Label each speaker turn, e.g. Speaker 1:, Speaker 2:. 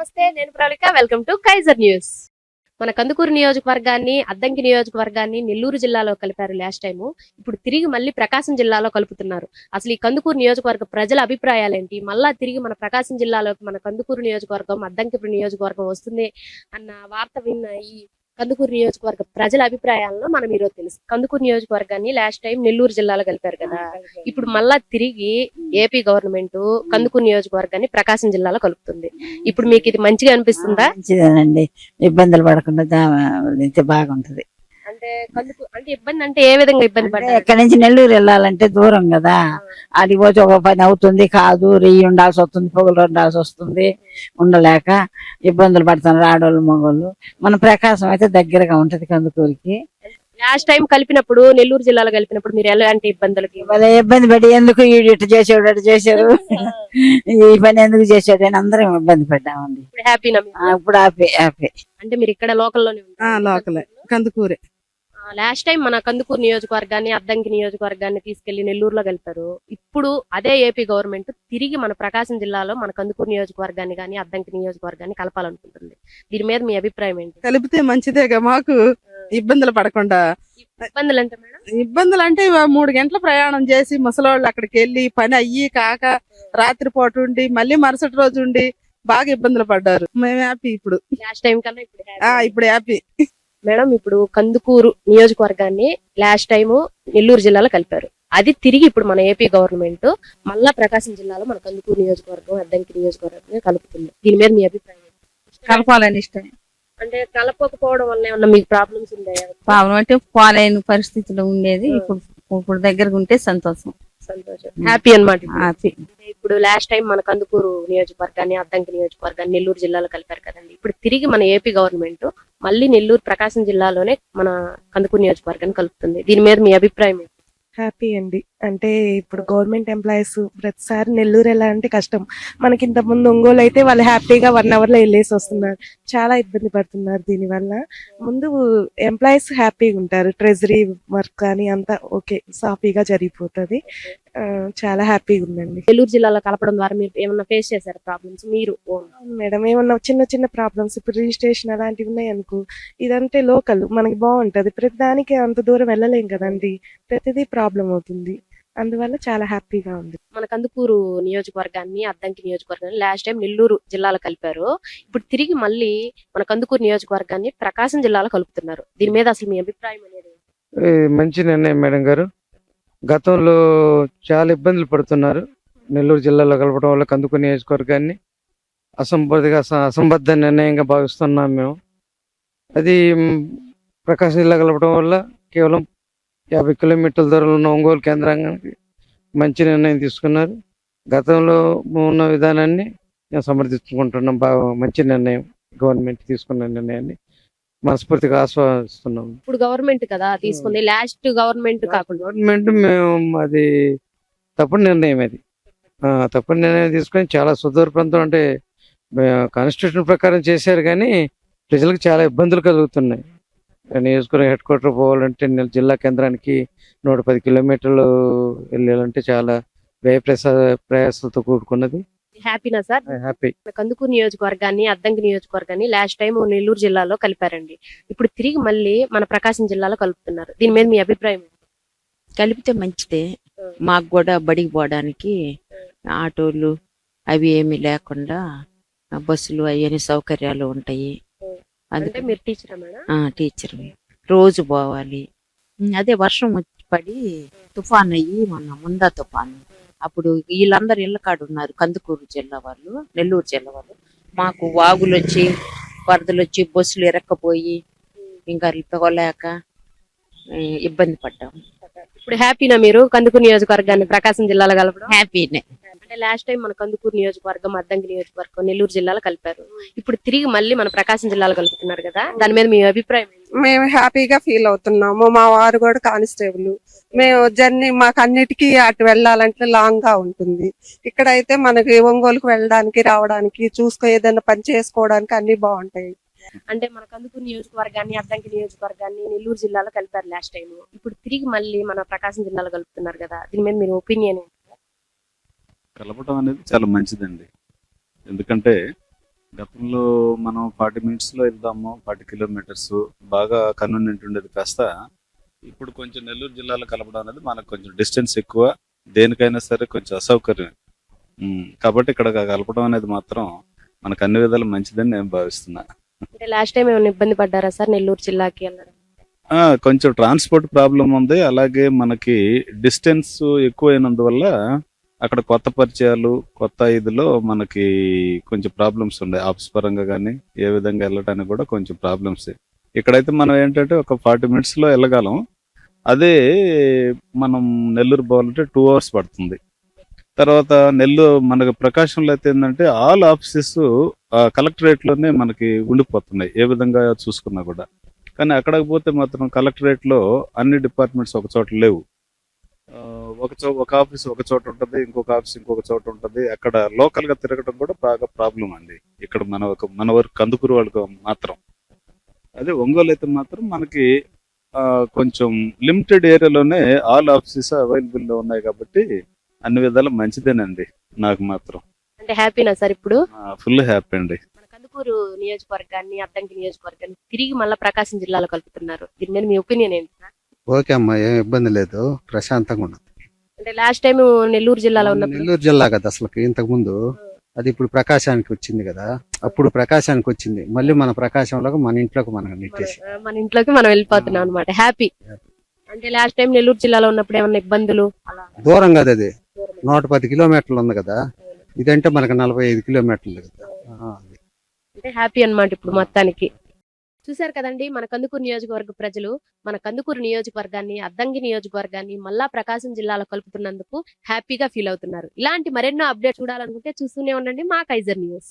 Speaker 1: నమస్తే, నేను Pravalika. Welcome to Kaizer news. మన కందుకూరు నియోజకవర్గాన్ని, అద్దంకి నియోజకవర్గాన్ని నెల్లూరు జిల్లాలో కలిపారు లాస్ట్ టైము. ఇప్పుడు తిరిగి మళ్ళీ ప్రకాశం జిల్లాలో కలుపుతున్నారు. అసలు ఈ కందుకూరు నియోజకవర్గ ప్రజల అభిప్రాయాలేంటి? మళ్ళా తిరిగి మన ప్రకాశం జిల్లాలోకి మన కందుకూరు నియోజకవర్గం, అద్దంకి నియోజకవర్గం వస్తుంది అన్న వార్త విన్న ఈ కందుకూరు నియోజకవర్గ ప్రజల అభిప్రాయాలను మనం ఈరోజు తెలుసు. కందుకూరు నియోజకవర్గాన్ని లాస్ట్ టైం నెల్లూరు జిల్లాలో కలిపారు కదా, ఇప్పుడు మళ్ళా తిరిగి ఏపీ గవర్నమెంట్ కందుకూరు నియోజకవర్గాన్ని ప్రకాశం జిల్లాలో కలుపుతుంది. ఇప్పుడు మీకు ఇది మంచిగా అనిపిస్తుందా?
Speaker 2: మంచిదేనండి, ఇబ్బందులు పడకుండా బాగుంటది.
Speaker 1: అంటే ఇబ్బంది అంటే ఏ విధంగా ఇబ్బంది పడ్డారు?
Speaker 2: ఇక్కడ నుంచి నెల్లూరు వెళ్ళాలంటే దూరం కదా, అది పోతే ఒక పని అవుతుంది కాదు, రెయ్యి ఉండాల్సి వస్తుంది, పొగలు ఉండాల్సి వస్తుంది, ఉండలేక ఇబ్బందులు పడుతున్నారు ఆడోళ్ళు మగోళ్ళు. మన ప్రకాశం అయితే దగ్గరగా ఉంటది కందుకూరికి.
Speaker 1: లాస్ట్ టైం కలిపినప్పుడు, నెల్లూరు జిల్లాలో కలిపినప్పుడు మీరు ఎలాంటి ఇబ్బందులకి?
Speaker 2: వాళ్ళ ఇబ్బంది పడి ఎందుకు ఇటు చేసాడు అటు చేశారు, ఈ పని ఎందుకు చేసాడు అని అందరం ఇబ్బంది పడ్డామండి.
Speaker 1: ఇప్పుడు హ్యాపీనా?
Speaker 2: ఇప్పుడు హ్యాపీ.
Speaker 1: అంటే మీరు ఇక్కడ లోకల్లోనే ఉంటారు?
Speaker 3: లోకలే, కందుకూరే.
Speaker 1: లాస్ట్ టైం మన కందుకూరు నియోజకవర్గాన్ని, అద్దంకి నియోజకవర్గాన్ని తీసుకెళ్లి నెల్లూరులో కలిపారు. ఇప్పుడు అదే ఏపీ గవర్నమెంట్ తిరిగి మన ప్రకాశం జిల్లాలో మన కందుకూరు నియోజకవర్గాన్ని కానీ, అద్దంకి నియోజకవర్గాన్ని కలపాలనుకుంటుంది. దీని మీద మీ అభిప్రాయం ఏంటి?
Speaker 3: కలిపితే మంచిదేగా, మాకు ఇబ్బందులు పడకుండా.
Speaker 1: ఇబ్బందులు అంటే మేడం,
Speaker 3: ఇబ్బందులు అంటే 3 గంటల ప్రయాణం చేసి ముసలోళ్ళు అక్కడికి వెళ్ళి పని అయ్యి కాక రాత్రిపూట ఉండి మళ్ళీ మరుసటి రోజు ఉండి బాగా ఇబ్బందులు పడ్డారు. మేము హ్యాపీ ఇప్పుడు.
Speaker 1: లాస్ట్ టైం కన్నా ఇప్పుడు happy.
Speaker 3: ఇప్పుడు హ్యాపీ.
Speaker 1: మేడం, ఇప్పుడు కందుకూరు నియోజకవర్గాన్ని లాస్ట్ టైం నెల్లూరు జిల్లాలో కలిపారు. అది తిరిగి ఇప్పుడు మన ఏపీ గవర్నమెంట్ మళ్ళా ప్రకాశం జిల్లాలో మన కందుకూరు నియోజకవర్గం, అద్దంకి నియోజకవర్గం కలుపుతుంది. దీని మీద మీ అభిప్రాయం?
Speaker 4: కలపాలని ఇష్టం.
Speaker 1: అంటే కలపకపోవడం వల్ల ఏమన్నా మీకు ప్రాబ్లమ్స్ ఉన్నాయా?
Speaker 4: పాపం అంటే పోలేని పరిస్థితులు ఉండేది. ఇప్పుడు దగ్గరకు ఉంటే సంతోషం,
Speaker 1: సంతోషం, హ్యాపీ అన్నమాట.
Speaker 4: హ్యాపీ.
Speaker 1: ఇప్పుడు లాస్ట్ టైం మన కందుకూరు నియోజకవర్గాన్ని, అద్దంకి నియోజకవర్గాన్ని నెల్లూరు జిల్లాలో కలిపారు కదండి. ఇప్పుడు తిరిగి మన ఏపీ గవర్నమెంట్ మళ్ళీ నెల్లూరు ప్రకాశం జిల్లాలోనే మన కందుకూరు నియోజకవర్గాన్ని కలుపుతుంది. దీని మీద మీ అభిప్రాయం ఏంటి?
Speaker 5: హ్యాపీ అండి. అంటే ఇప్పుడు గవర్నమెంట్ ఎంప్లాయీస్ ప్రతిసారి నెల్లూరు వెళ్ళాలంటే కష్టం. మనకి ఇంత ముందు ఒంగోలు అయితే వాళ్ళు హ్యాపీగా 1 hour లో వెళ్ళేసి వస్తున్నారు. చాలా ఇబ్బంది పడుతున్నారు దీనివల్ల. ముందు ఎంప్లాయీస్ హ్యాపీగా ఉంటారు, ట్రెజరీ వర్క్ కానీ అంతా ఓకే, సాఫీగా జరిగిపోతుంది. చాలా హ్యాపీగా ఉందండి.
Speaker 1: నెల్లూరు జిల్లాలో కలపడం ద్వారా మీరు ఏమన్నా ఫేస్ చేశారు ప్రాబ్లమ్స్ మీరు?
Speaker 5: మేడం, ఏమన్నా చిన్న చిన్న ప్రాబ్లమ్స్, ఇప్పుడు రిజిస్ట్రేషన్ అలాంటివి ఉన్నాయి అనుకో, ఇదంటే లోకల్ మనకి బాగుంటది. ప్రతి దానికి అంత దూరం వెళ్ళలేం కదండి, ప్రతిదీ ప్రాబ్లం అవుతుంది. అందువల్ల చాలా హ్యాపీగా ఉంది.
Speaker 1: మన కందుకూరు నియోజకవర్గాన్ని, అద్దంకి నియోజకవర్గాన్ని లాస్ట్ టైం నెల్లూరు జిల్లాలో కలిపారు. ఇప్పుడు తిరిగి మళ్ళీ మన కందుకూరు నియోజకవర్గాన్ని ప్రకాశం జిల్లాలో కలుపుతున్నారు. దీని మీద అసలు మీ అభిప్రాయం అనేది?
Speaker 6: మంచి నిర్ణయం మేడం గారు. గతంలో చాలా ఇబ్బందులు పడుతున్నారు. నెల్లూరు జిల్లాలో కలపడం వల్ల కందుకూరు నియోజకవర్గాన్ని అసంబద్ధ నిర్ణయంగా భావిస్తున్నాం మేము. అది ప్రకాశం జిల్లా కలపడం వల్ల కేవలం 50 కిలోమీటర్ల దూరంలో ఉన్న ఒంగోలు కేంద్రానికి మంచి నిర్ణయం తీసుకున్నారు. గతంలో ఉన్న విధానాన్ని మేము సమర్థించుకుంటున్నాం. బాగా మంచి నిర్ణయం, గవర్నమెంట్ తీసుకున్న నిర్ణయాన్ని మనస్ఫూర్తిగా ఆస్వాదిస్తున్నాం.
Speaker 1: ఇప్పుడు గవర్నమెంట్ కదా తీసుకుంది, లాస్ట్ గవర్నమెంట్ కాకుండా
Speaker 6: గవర్నమెంట్ మేము అది తప్పుడు నిర్ణయం, అది తప్పుడు నిర్ణయం తీసుకొని చాలా సుదూర ప్రాంతం అంటే కాన్స్టిట్యూషన్ ప్రకారం చేశారు, కానీ ప్రజలకు చాలా ఇబ్బందులు కలుగుతున్నాయి. నియోజకవర్గం హెడ్ క్వార్టర్ పోవాలంటే జిల్లా కేంద్రానికి 110 కిలోమీటర్లు వెళ్ళాలంటే చాలా ప్రయాసాలతో కూడుకున్నది.
Speaker 1: హ్యాపీనా సార్?
Speaker 6: హ్యాపీ.
Speaker 1: కందుకూరు నియోజకవర్గాన్ని, అద్దంకి నియోజకవర్గాన్ని లాస్ట్ టైం నెల్లూరు జిల్లాలో కలిపారండి. ఇప్పుడు తిరిగి మళ్ళీ మన ప్రకాశం జిల్లాలో కలుపుతున్నారు. దీని మీద మీ అభిప్రాయం?
Speaker 7: కలిపితే మంచిదే. మాకు కూడా బడికి పోవడానికి ఆటోలు అవి ఏమి లేకుండా బస్సులు అవన్నీ సౌకర్యాలు ఉంటాయి.
Speaker 1: అందుకే మీరు టీచరా మేడం?
Speaker 7: టీచర్ రోజు పోవాలి. అదే వర్షం వచ్చి పడి తుఫాన్ అయ్యి ముందా తుఫాను, అప్పుడు వీళ్ళందరూ ఇళ్ళ కాడు ఉన్నారు, కందుకూరు జిల్లా వాళ్ళు, నెల్లూరు జిల్లా వాళ్ళు. మాకు వాగులు వచ్చి వరదలు వచ్చి బస్సులు ఇరక్కపోయి ఇంకా పోలేక ఇబ్బంది పడ్డాము.
Speaker 1: ఇప్పుడు హ్యాపీనా మీరు కందుకూరు నియోజకవర్గాన్ని ప్రకాశం జిల్లాలో కలపడం?
Speaker 7: హ్యాపీనే.
Speaker 1: అంటే లాస్ట్ టైం మన కందుకూరు నియోజకవర్గం, అద్దంకి నియోజకవర్గం నెల్లూరు జిల్లాలో కలిపారు. ఇప్పుడు తిరిగి మళ్ళీ మన ప్రకాశం జిల్లాలో కలుపుతున్నారు కదా, దాని మీద మీ అభిప్రాయం?
Speaker 3: మేము హ్యాపీగా ఫీల్ అవుతున్నాము. మా వారు కూడా కానిస్టేబుల్. మేము జర్నీ మాకు అన్నిటికీ అటు వెళ్ళాలంటే లాంగ్ గా ఉంటుంది. ఇక్కడైతే మనకి ఒంగోలుకు వెళ్ళడానికి రావడానికి ఏదైనా పని చేసుకోవడానికి అన్ని బాగుంటాయి.
Speaker 1: అంటే మన కందుకూరు నియోజకవర్గాన్ని, అద్దంకి నియోజకవర్గాన్ని నెల్లూరు జిల్లాలో కలిపారు లాస్ట్ టైం. ఇప్పుడు తిరిగి మళ్ళీ మన ప్రకాశం జిల్లాలో కలుపుతున్నారు కదా, దీని మీద మీరు ఒపీనియన్?
Speaker 8: కలపడం అనేది చాలా మంచిదండి. ఎందుకంటే గతంలో మనం 40 మినిట్స్లో వెళ్దాము, 40 కిలోమీటర్స్ బాగా కన్వీనియంట్ ఉండేది కాస్త ఇప్పుడు కొంచెం నెల్లూరు జిల్లాలో కలపడం అనేది మనకు కొంచెం డిస్టెన్స్ ఎక్కువ, దేనికైనా సరే కొంచెం అసౌకర్యం. కాబట్టి ఇక్కడ కలపడం అనేది మాత్రం మనకు అన్ని విధాలు మంచిదని నేను భావిస్తున్నా.
Speaker 1: అంటే లాస్ట్ టైం ఏమైనా ఇబ్బంది పడ్డారా సార్ నెల్లూరు జిల్లాకి వెళ్ళడం?
Speaker 8: కొంచెం ట్రాన్స్పోర్ట్ ప్రాబ్లం ఉంది, అలాగే మనకి డిస్టెన్స్ ఎక్కువైనందువల్ల అక్కడ కొత్త పరిచయాలు, కొత్త ఇదిలో మనకి కొంచెం ప్రాబ్లమ్స్ ఉన్నాయి. ఆఫీస్ పరంగా కానీ ఏ విధంగా వెళ్ళడానికి కూడా కొంచెం ప్రాబ్లమ్స్. ఇక్కడైతే మనం ఏంటంటే ఒక 40 మినిట్స్లో వెళ్ళగలం. అదే మనం నెల్లూరు పోవాలంటే 2 అవర్స్ పడుతుంది. తర్వాత మనకి ప్రకాశంలో అయితే ఏంటంటే ఆల్ ఆఫీసెస్ కలెక్టరేట్లోనే మనకి ఉండిపోతున్నాయి ఏ విధంగా చూసుకున్నా కూడా. కానీ అక్కడికి పోతే మాత్రం కలెక్టరేట్లో అన్ని డిపార్ట్మెంట్స్ ఒక చోట లేవు. ఒక ఆఫీస్ ఒక చోట ఉంటుంది, ఇంకొక ఆఫీస్ ఇంకొక చోట ఉంటుంది. అక్కడ లోకల్గా తిరగడం కూడా బాగా ప్రాబ్లం అండి. ఇక్కడ మన వరకు కందుకూరు వాళ్ళకి మాత్రం. అదే ఒంగోలు అయితే మాత్రం మనకి కొంచెం లిమిటెడ్ ఏరియాలోనే ఆల్ ఆఫీసెస్ అవైలబుల్లో ఉన్నాయి కాబట్టి అన్ని విధాలు మంచిదేనండి నాకు మాత్రం.
Speaker 1: అంటే హ్యాపీనా సార్ ఇప్పుడు?
Speaker 8: ఫుల్ హ్యాపీ అండి.
Speaker 1: మన కందుకూరు నియోజకవర్గాన్ని, అద్దంకి నియోజకవర్గాన్ని తిరిగి మళ్ళీ ప్రకాశం జిల్లాలో కలుపుతున్నారు. దీని మీద మీ ఒపీనియన్ ఏంటి సార్?
Speaker 9: ఓకే అమ్మా, ఏం ఇబ్బంది లేదు, ప్రశాంతంగా ఉండదు.
Speaker 1: అంటే లాస్ట్ టైం నెల్లూరు జిల్లాలో ఉన్నప్పుడు
Speaker 9: నెల్లూరు జిల్లా కదా అసలు ఇంతకు ముందు, అది ఇప్పుడు ప్రకాశానికి వచ్చింది కదా. అప్పుడు ప్రకాశానికి వచ్చింది, మళ్ళీ మన ప్రకాశంలోకి మన ఇంట్లోకి మనం నెట్టేసి
Speaker 1: మన ఇంట్లోకి మనం వెళ్ళిపోతున్నాం అనమాట. హ్యాపీ. అంటే లాస్ట్ టైం నెల్లూరు జిల్లాలో ఉన్నప్పుడు ఏమన్నా ఇబ్బందులు అలా?
Speaker 9: దూరం కదా అది, 110 కిలోమీటర్లు ఉంది కదా. ఇదంటే మనకు 45 కిలోమీటర్లు కదా.
Speaker 1: అంటే హ్యాపీ అన్నమాట ఇప్పుడు మొత్తానికి. చూశారు కదండి, మన కందుకూరు నియోజకవర్గ ప్రజలు మన కందుకూరు నియోజకవర్గాన్ని, అద్దంకి నియోజకవర్గాన్ని మళ్ళా ప్రకాశం జిల్లాలో కలుపుతున్నందుకు హ్యాపీగా ఫీల్ అవుతున్నారు. ఇలాంటి మరెన్నో అప్డేట్ చూడాలనుకుంటే చూస్తూనే ఉండండి మా కైజర్ న్యూస్.